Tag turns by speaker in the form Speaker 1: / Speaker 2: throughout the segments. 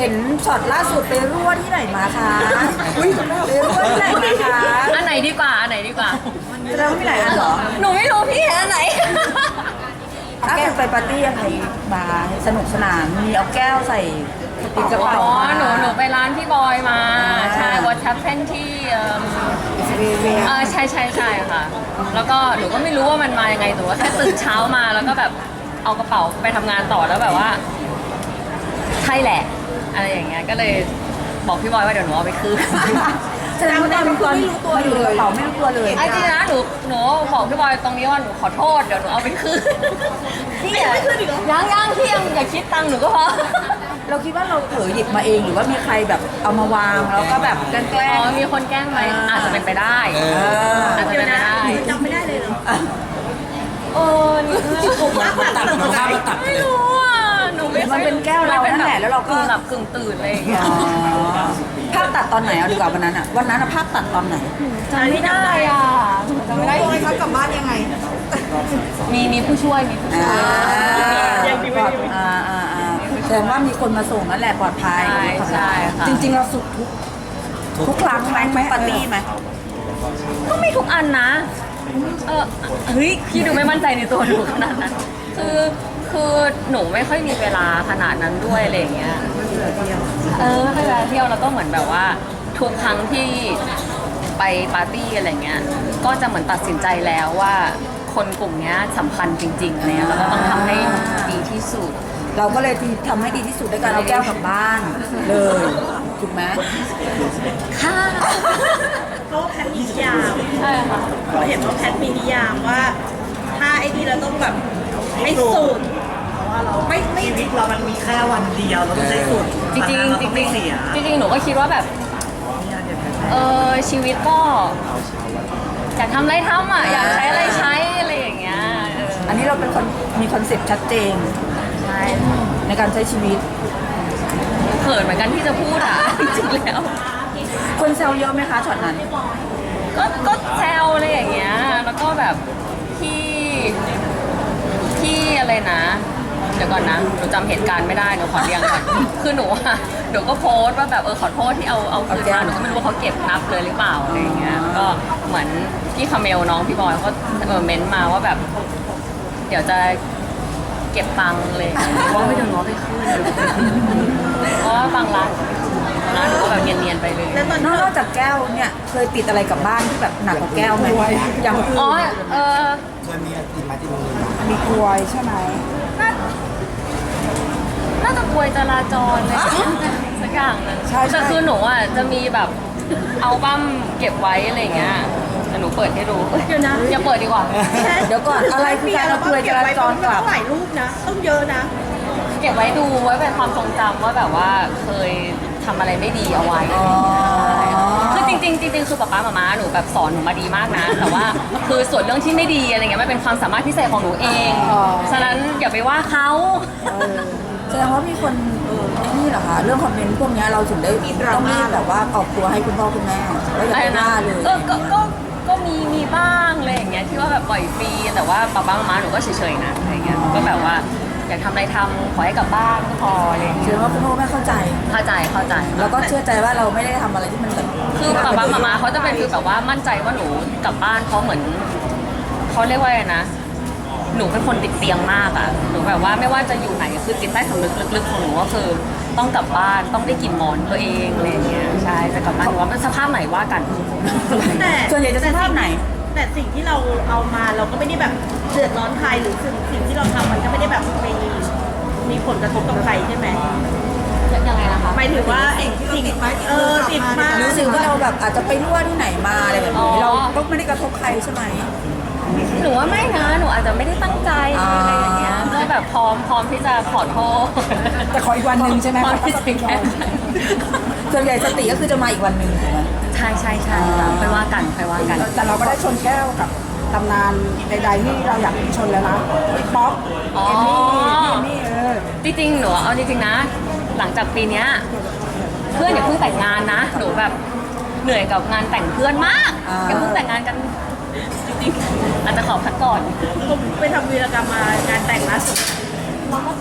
Speaker 1: ห็นช็อตล่าสุดไปรั่วที่ไหนมาคะอุ้ยไปรั่วที่ไหนมาคะ
Speaker 2: อันไหนดีกว่า อันไหนดีกว่า
Speaker 1: แสดงว่ามีหลายอันเหรอ
Speaker 2: หนูไม่รู้พี่เห็นอันไหน
Speaker 1: เอาแก้วไปปาร์ตี้อะไรมาสนุกสนานมีเอาแก้วใส่ติดกระ
Speaker 2: อ๋
Speaker 1: เป๋า
Speaker 2: อ
Speaker 1: มา
Speaker 2: หนูไปร้านพี่บอยมา ใช่
Speaker 1: อ่า
Speaker 2: วอทแชปเพ่นที่
Speaker 1: เวีย
Speaker 2: ใช่ค่ะ แล้วก็หนูก็ไม่รู้ว่ามันมายังไงหนูก็แค่ตื่นเช้ามาแล้วก็แบบเอากระเป๋าไปทำงานต่อแล้วแบบว่า ใช่แหละ อะไรอย่างเงี้ย ก็เลยบอกพี่บอยว่าเดี๋ยวหนูเอาไปคืน
Speaker 1: แสดงว่าตอนไม่รู้ตัวอยู่ในกระเป๋าไม่รู้ตัวเลย
Speaker 2: ไอ้จริงนะหนูบอกพี่บอยตรงนี้ว่าหนูขอโทษเดี๋ยวหนูเอาไปคืนพี่ยังไม่คืนอีกเหรอยังพี่ยังอย่าคิดตังค์หนูก็พอ
Speaker 1: เราคิดว่าเราเผลอหยิบมาเองหรือว่ามีใครแบบเอามาวางแล้วก็แบบแกล้
Speaker 2: อ๋
Speaker 1: ง
Speaker 2: อมีคนแกล้งไหมอาจจะเป็นไปได้อาจจะเป็นไปได้
Speaker 3: จำไม่ได้เลยเหรอ
Speaker 2: นี่ผมว่าไม่รู้อ่ะหนูไม่
Speaker 1: มันเป็นแก้วเรานั่นแหละแล้วเราก็
Speaker 2: กึ่งหลับกึ่งตื่นอะไรอย่างเงี้ย
Speaker 1: อ๋อภาพตัดตอนไหนเอาดีกว่าวันนั้นอะวันนั้นอะภาพตัดตอนไหน
Speaker 2: จำไม่ได้อ่ะจำไม่ได้
Speaker 3: โอ้ยเขากลับบ้านยังไง
Speaker 2: มีผู้ช่วยมีผู้ช่วย
Speaker 1: แสดงว่ามีคนมาส่งนั่นแหละปลอดภัย
Speaker 2: ใช่ค่ะ
Speaker 1: จริงๆเราสุดทุกครั้งไหมทุกปาร์ตี้ไหม
Speaker 2: ก็ไม่ทุกอันนะเฮ้ยพี่ดูไม่มั่นใจในตัวหนูขนาดนั้นคือหนูไม่ค่อยมีเวลาขนาดนั้นด้วยอะไรอย่างเงี้ยให้เวลาเที่ยวแล้วก็เหมือนแบบว่าทุกครั้งที่ไปปาร์ตี้อะไรเงี้ยก็จะเหมือนตัดสินใจแล้วว่าคนกลุ่มเนี้ยสำคัญจริงๆเนี่ยเราก็ต้องทำให้ดีที่สุด
Speaker 1: เราก็เลยทำให้ดีที่สุดด้วยการเอาแก้วกลับบ้านเลยถูกไหม
Speaker 2: ค่ะ
Speaker 3: เพราะว่าแพทมีนิยาม
Speaker 2: ใช่ค่ะ
Speaker 3: เราเห็นว่าแพทมีนิยามว่า ถ้าไอ้นี่เราต้องแบบให้สุดไม่
Speaker 4: ชีวิตเรามันมีแค่วันเดียวเราต้องใช้สุด
Speaker 2: จริงๆ
Speaker 4: เราต้องไม่เสีย
Speaker 2: จริงๆหนูก็คิดว่าแบบชีวิตก็อยากทำอะไรทำอ่ะอยากใช้อะไรใช้อะไรอย่างเงี้ย
Speaker 1: อันนี้เราเป็นคนมีคอนเซ็ปต์ชัดเจน
Speaker 2: ใช่
Speaker 1: ในการใช้ชีวิต
Speaker 2: เขินเหมือนกันที่จะพูดอ่ะ จริงๆแล้ว
Speaker 1: คนแซวเยอะไหมคะช็อตนั้น
Speaker 2: ก็แซวอะไรอย่างเงี้ยแล้วก็แบบที่อะไรนะ เดี๋ยวก่อนนะหนูจำเหตุการณ์ไม่ได้หนูขอเรียงก่อน คือหนูก็โพสต์ว่าแบบขอโทษที่เอาคืนมาหนูก็ไม่รู้ว่าเขาเก็บนับเลยหรือเปล่าอะไรอย่างเงี้ยก็เหมือนพี่คาเมลน้องพี่บอยเขาเม้นต์มาว่าแบบ เดี๋ยวจะเก็บตังค์เลยว่าไม่เดี๋ยวน้องไปคืนเพราะว่าบางร้านก็แบบเนียนๆไปเลย
Speaker 3: แล้วตอน
Speaker 1: นอกจากแก้วเนี่ยเคยติดอะไรกลับบ้านที่แบบหนักกว่าแก้วไหมอย่างอื่น
Speaker 2: อ๋อ
Speaker 4: เคยมีติดมาที่โรงเรียน
Speaker 1: มีกลวยใช่ไหม
Speaker 2: น่าจะกลวยจราจรเลยสักอย่างนึงแต่คือหนูอ่ะจะมีแบบเอาบั้มเก็บไว้อะไรอย่างเงี้ยแต่หนูเปิดให้ดูเดี๋ยวนะอย่าเปิดดีกว่า
Speaker 1: เดี๋ยวก่อนอะไรคือการเอากลวยจราจรกลับ
Speaker 3: ต้องหลายรูปนะ ต้องเยอะนะ
Speaker 2: เก็บไว้ดูไว้เป็นความทรงจำว่าแบบว่าเคยทำอะไรไม่ดีเอาไว้คือจริงๆคือป๊าป๊ามาหนูแบบสอนหนูมาดีมากนะ แต่ว่าคือส่วนเรื่องที่ไม่ดีอะไรเงี้ยมันเป็นความสามารถพิเศษของหนูเองฉะนั้นอย่าไปว่าเขา
Speaker 1: แสดงว่ามีคนนี่เหรอคะเรื่องคอมเมนต์พวกนี้เราถึงได้ต้องรีบแบบว่าออกตัวให้คุณพ่อคุณแม่ว่าอย่าไปว่าเลย
Speaker 2: ก็มีบ้างอะไรอย่างเงี้ยที่ว่าแบบปล่อยฟรีแต่ว่าป๊าป๊ามาหนูก็เฉยๆนะอะไรเงี้ยก็แบบว่าอยากทำอะไรทำขอให้กลับบ้านก็พออะไรอย่าง
Speaker 1: แส
Speaker 2: เงี้
Speaker 1: ด
Speaker 2: ย
Speaker 1: งว่าคุณพ่อแม่เข้าใจ
Speaker 2: เข้าใจ
Speaker 1: แล้วก็เชื่อใจว่าเราไม่ได้ทำอะไรที่มันแบบ
Speaker 2: คือป๊าป๊ามาเขาจะเป็นคือแบบว่ามั่นใจว่าหนูกลับบ้านเพราะเหมือนเขาเรียกว่าอะไรนะหนูเป็นคนติดเตียงมากอ่ะหนูแบบว่าไม่ว่าจะอยู่ไหนคือจิตใต้สำนึกลึกๆของหนูก็คือต้องกลับบ้านต้องได้กลิ่นหมอนตัวเองอะไรอย่างเงี้ยใช่จะกลับบ้านหรือว่ามันสภาพไหนว่ากัน
Speaker 3: แต่
Speaker 1: ส่วนใหญ่จะสภาพไหน
Speaker 3: แต่สิ่งที่เราเอามาเราก็ไม่ได้แบบเดือดร้อนใครหรือสิ่งที่เราทำมันก็ไม่ได้แบบมีผลกระทบกับใครใช่ไหม
Speaker 2: ยังไงนะคะ
Speaker 3: หมายถึงว่าสิ่งติดมา
Speaker 1: รู้สึกว่าเราแบบอาจจะไปรั่วที่ไหนมาอะไรแบบนี้เราก็ไม่ได้กระทบใครใช่ไหม
Speaker 2: หนูว่าไม่นะหนูอาจจะไม่ได้ตั้งใจอะไรอย่างเงี้ยก็แบบพร้อมที่จะขอโทษ
Speaker 1: แต่ขออีกวันหนึ่งใช่ไหม
Speaker 2: พร้อมที่จะแก้ไข
Speaker 1: ส่วนใหญ่สติก็คือจะมาอีกวันหนึ่งถูกไหม
Speaker 2: ใช่ค่ะไปว่ากัน
Speaker 5: แต่เราก็ได้ชนแก้วกับตำนานใดๆที่เราอยากชนแล้วนะพี่ป๊อก
Speaker 2: อ๋อ
Speaker 5: เอมมี่
Speaker 2: จริงๆหนูเอาจริงๆนะ หลังจากปีเนี้ยเพื่อนอย่าเพิ่งแต่งงานนะหนูแบบเหนื่อยกับงานแต่งเพื่อนมากอย่าเพิ่งแต่งงานกันจริงๆอาจจะขอพักก่อน
Speaker 3: ผมไปทำวีรกรรมมางานแต่งล่าสุด
Speaker 2: ก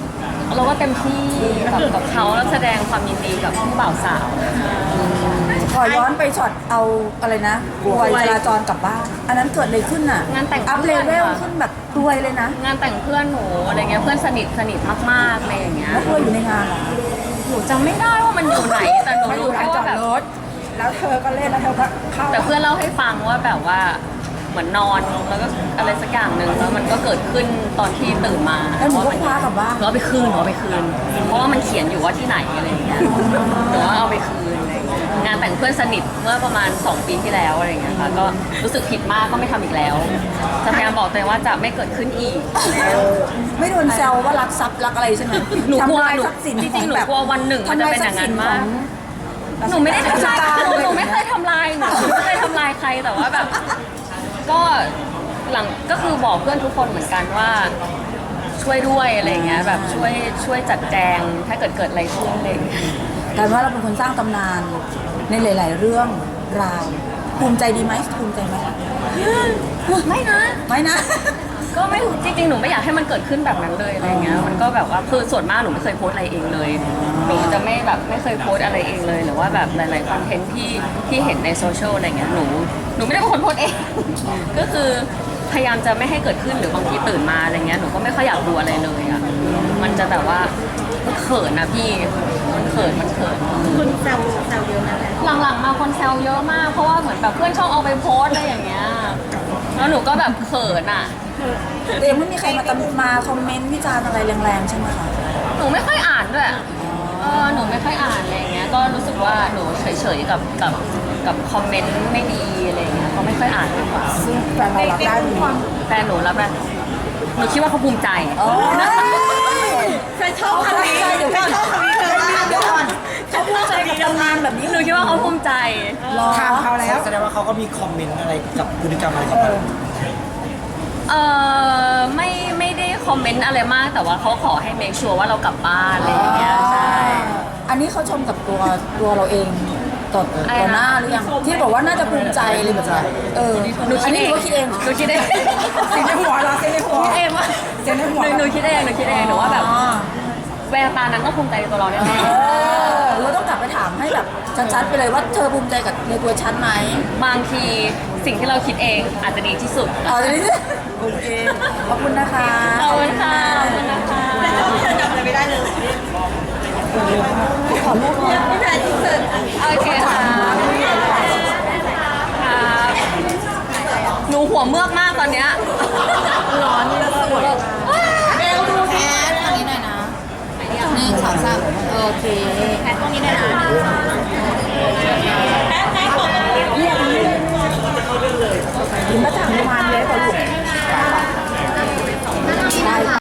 Speaker 2: เราก็เต็มที่กับเขาแล้วแสดงความยินดีกับผู้บ่าวสาว
Speaker 1: ขอย้อนไปช็อตเอาอะไรนะรวยจราจรกลับบ้าน อันนั้นเกิดอะไรขึ้นอ่ะ
Speaker 2: งานแต่ง
Speaker 1: อัพเลเวลขึ้นแบบรวยเลยนะ
Speaker 2: งานแต่งเพื่อนหนูอะไรเงี้ยเพื่อนสนิทมากๆอะไรอย่างเงี้ย
Speaker 1: แล้วรวยอยู่ในงานเหรอ
Speaker 2: หนูจำไม่ได้ว่ามันอยู่ไหนแต่หนู
Speaker 5: ไม่อ
Speaker 2: รู้
Speaker 5: ยู่ร้า
Speaker 2: แค่
Speaker 5: นจอ
Speaker 2: ว่า
Speaker 5: ด
Speaker 2: แบบ
Speaker 5: รถแล้วเธอก็เล่นแล้วเธอก็เข้า
Speaker 2: แต่เพื่อนเล่าให้ฟังว่าแบบว่าเหมือนนอนแล้วก็อะไรสักอย่างหนึ่งแล้วมันก็เกิดขึ้นตอนที่ตื่นมา
Speaker 1: แล้วหนูก็คว้ากลับบ้าน
Speaker 2: หนูเอาไปคืนเพราะว่ามันเขียนอยู่ว่าที่ไหนอะไรอย่างเงี้ยหนูว่าเอาไปคืนอะไรอย่างเงี้ยงานแต่งเพื่อนสนิทเมื่อประมาณ2 ปีที่แล้วอะไรอย่างเงี้ยค่ะก็รู้สึกผิดมากก็ไม่ทำอีกแล้วจะพยายามบอกตัวเองว่าจะไม่เกิดขึ้นอีก
Speaker 1: ไม่โดนแซวว่ารักทรัพย์รักอะไรใช่ไหม
Speaker 2: หนูกลัว
Speaker 1: ทำลาย
Speaker 2: หนู
Speaker 1: ทรัพย์สิน
Speaker 2: จริงๆหนู
Speaker 1: แบบ
Speaker 2: กลัววันหนึ่งมันจะเป็นอย่างนั้นมาก หนูไม่ได้ทำลายหนูไม่เคยทำลายหนูไม่เคยทำลายใครแต่ว่าแบบ ก็หลังก็คือบอกเพื่อนทุกคนเหมือนกันว่าช่วยด้วยอะไรอย่างเงี้ยแบบช่วยจัดแจงถ้าเกิดอะไรขึ้นอะไรอย่างเงี้ย
Speaker 1: แต่ว่าเราเป็นคนสร้างตำนานในหลาย ๆ เรื่องราวภูมิใจดีไหมภูมิใจไหม
Speaker 2: ไม่นะ
Speaker 1: ไม่นะ
Speaker 2: ก็ไม่จริงๆหนูไม่อยากให้มันเกิดขึ้นแบบนั้นเลยอะไรเงี้ยมันก็แบบว่าคือส่วนมากหนูไม่เคยโพสต์อะไรเองเลยหนูจะไม่เคยโพสต์อะไรเองเลยหรือว่าแบบหลายๆคอนเทนต์ที่เห็นในโซเชียลอะไรเงี้ยหนูไม่ได้เป็นคนโพสต์เอง ก็คือพยายามจะไม่ให้เกิดขึ้นหรือบางทีตื่นมาอะไรเงี้ยหนูก็ไม่ค่อยอยากดูอะไรเลยอ่ะมันจะแบบว่ามันเขินนะพี่มันเขิน
Speaker 3: คุณแซวเยอะนะแหละ
Speaker 2: หลังๆมาคนแซวเยอะมากเพราะว่าเหมือนแบบเพื่อนชอบเอาไปโพสต์อะไรอย่างเงี้ยแล้วหนูก็แบบเขินอ่ะ
Speaker 1: แต่ยังไม่มีใครมาคอมเมนต์วิจารณ์อะไรแรงๆใช่ไหมคะ
Speaker 2: หนูไม่ค่อยอ่านด้วยหนูไม่ค่อยอ่านอะไรอย่างเงี้ย ก็รู้สึกว่าหนูเฉยๆกับคอมเมนต์ไม่ดีอะไรอย่างเงี้ยเขาไม่ค่อยอ่านมากกว่า
Speaker 5: ซึ่งแฟนเรารับได้ดี
Speaker 2: แฟนหนูรับได้หนูคิดว่าเขาภูมิใจ
Speaker 1: โอ้ย
Speaker 3: ใครชอบคำนี้
Speaker 1: เดี๋ยวก่อนเดี๋ยวก่อนเขาภูมิใจกับตำนานแบบนี้
Speaker 2: หนูคิดว่าเขาภูมิใจ
Speaker 1: รอ
Speaker 5: ข่าวเขาแล้ว
Speaker 4: แสดงว่าเขาก็มีคอมเมนต์อะไรกับพฤติกรรมอะไรกับเรา
Speaker 2: ไม่ได้คอมเมนต์อะไรมาก แต่ว่าเขาขอให้เมคชัวร์ว่าเรากลับบ้านอะไรอย่างเงี้ย ใช่
Speaker 1: อันนี้เขาชมกับตัวเราเองต่อหน้าหรือยังที่บอกว่าน่าจะภูมิใจอะไรแบบนี้อันนี้หนูก็คิดเอง
Speaker 2: หนูคิดเอง
Speaker 5: เสียงในหัวเราเสียงในหัว
Speaker 2: คิดเองว่า
Speaker 5: เสียงในหัว
Speaker 2: หนูคิดเองหนูว่าแบบแววตานั้นก็ภูมิใจในตัวเราแน่ๆ
Speaker 1: เราต้องกลับไปถามให้แบบชัดๆไปเลยว่าเธอภูมิใจกับในตัวฉันไหม
Speaker 2: บางทีสิ่งที่เราคิดเองอาจจะดีที่สุด
Speaker 1: เอาจะนี้โอเคขอบคุณนะคะ
Speaker 2: ขอบคุณค่ะขอบคุณนะคะ
Speaker 3: เธอจำอะไรไม่ได้เลย
Speaker 1: ขอรูปหน่อย
Speaker 3: พี่แพรที่เกิด
Speaker 2: โอเคค่ะครับหนูหัวเมือกมากตอนเนี้ย
Speaker 3: ร้อนแล้วสวย
Speaker 1: เบลดูแอดอันนี้หน่อยนะ1 2 3โอเค